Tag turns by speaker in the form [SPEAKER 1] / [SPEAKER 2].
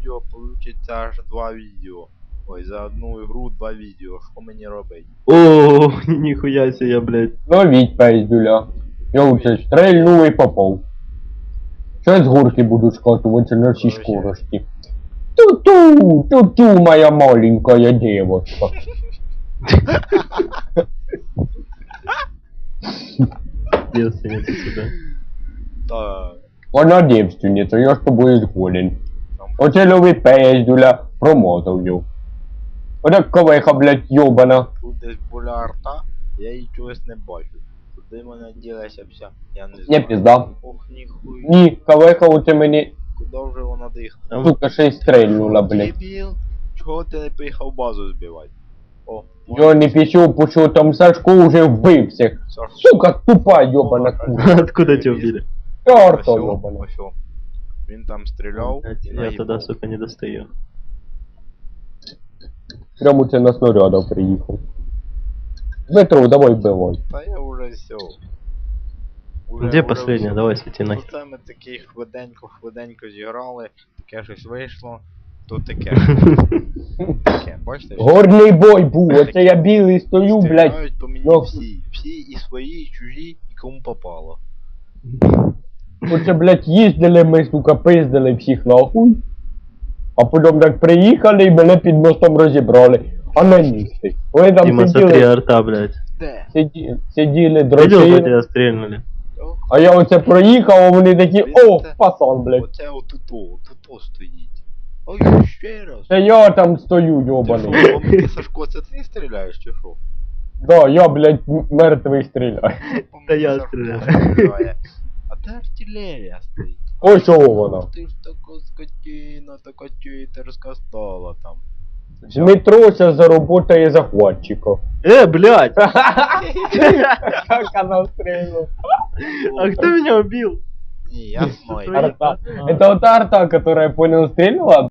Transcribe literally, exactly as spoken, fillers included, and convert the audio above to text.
[SPEAKER 1] відео получиться аж два відео. Ой, за одну ігру два відео. Що мені робити?
[SPEAKER 2] О, ніхуя себе, блядь.
[SPEAKER 3] Ловіть пиздюля. Я лучше стрельну і попав. Щас з горки буду скатуватися на всій
[SPEAKER 1] Короче.
[SPEAKER 3] скорості. Ту-ту, ту-ту, моя маленькая девочка.
[SPEAKER 2] Девственница сюда.
[SPEAKER 1] Так.
[SPEAKER 3] Вона девственниця, я з тобою згоден.
[SPEAKER 1] Там
[SPEAKER 3] Оце лови пиздюля, промотав його. Отак ковиха, блядь, йобана.
[SPEAKER 1] тут десь була арта, я її чогось не бачу. Туди мене ділася вся, я не
[SPEAKER 3] Не
[SPEAKER 1] знаю.
[SPEAKER 3] пізда.
[SPEAKER 1] Ох, ніхуй.
[SPEAKER 3] Ні, ковиха оце мені,
[SPEAKER 1] Куди вже вона дихає?
[SPEAKER 3] сука, ще й стрельнула, блядь.
[SPEAKER 1] Дебіл, чого ти не поїхав базу збивати? О,
[SPEAKER 3] Я не пішов, бо що там Сашко вже вбив всіх.
[SPEAKER 1] Сашко.
[SPEAKER 3] Сука, тупа йобана кура.
[SPEAKER 2] Откуда тебя убили?
[SPEAKER 3] Чорта
[SPEAKER 1] Ось,
[SPEAKER 3] йобана.
[SPEAKER 1] ось. Він там стріляв
[SPEAKER 2] Блядь,
[SPEAKER 1] і
[SPEAKER 2] я
[SPEAKER 1] наїбав.
[SPEAKER 2] тогда, сука, не достаю.
[SPEAKER 3] Прямо це на снарядах приїхав. Дмитро, давай вбивай.
[SPEAKER 1] Та я уже все.
[SPEAKER 2] Где последняя? Давай, свети нахер.
[SPEAKER 1] Оце ми такі хвиденько-хвиденько зіграли, таке щось вийшло, то таке. Таке, бачите? що
[SPEAKER 3] Горний бой був, оце я білий стою, блядь.
[SPEAKER 1] стріляють по мені
[SPEAKER 3] Ну.
[SPEAKER 1] всі. Всі і свої, і чужі, і кому попало.
[SPEAKER 3] Оце, блядь, їздили ми, сука, пиздили всіх нахуй. А потім так приїхали і мене під мостом розібрали. А на місці. Вони там
[SPEAKER 2] Дима, смотри,
[SPEAKER 3] сиділи,
[SPEAKER 2] арта, блядь.
[SPEAKER 1] Де?
[SPEAKER 3] сиді, сиділи,
[SPEAKER 2] Видел, как
[SPEAKER 3] дрочили.
[SPEAKER 2] тебя стрельнули?
[SPEAKER 1] О,
[SPEAKER 3] А я оце проїхав, а вони такі, о, пасан, блядь.
[SPEAKER 1] Оце отуто, отуто стоїть. Ой, ще раз.
[SPEAKER 3] Це я там стою,
[SPEAKER 1] Ти
[SPEAKER 3] йобаний.
[SPEAKER 1] що, по мені, Сашко, це ти стріляєш чи що?
[SPEAKER 3] Да, я, блядь, м- мертвий стріляю.
[SPEAKER 1] По
[SPEAKER 2] Та
[SPEAKER 1] мені
[SPEAKER 2] я
[SPEAKER 1] Сашко
[SPEAKER 2] стріляю.
[SPEAKER 1] стріляє. А де артилерія стоїть?
[SPEAKER 3] Ось чого вона.
[SPEAKER 1] Ти ж така скотина, така читерська стала там.
[SPEAKER 3] Дмитро зараз заработає захватчика.
[SPEAKER 2] Э, блядь!
[SPEAKER 3] Как она стрельнула.
[SPEAKER 2] А кто меня убил?
[SPEAKER 1] Ні, я знаю.
[SPEAKER 3] Арта. Это вот та арта, которая, понял, стрельнула,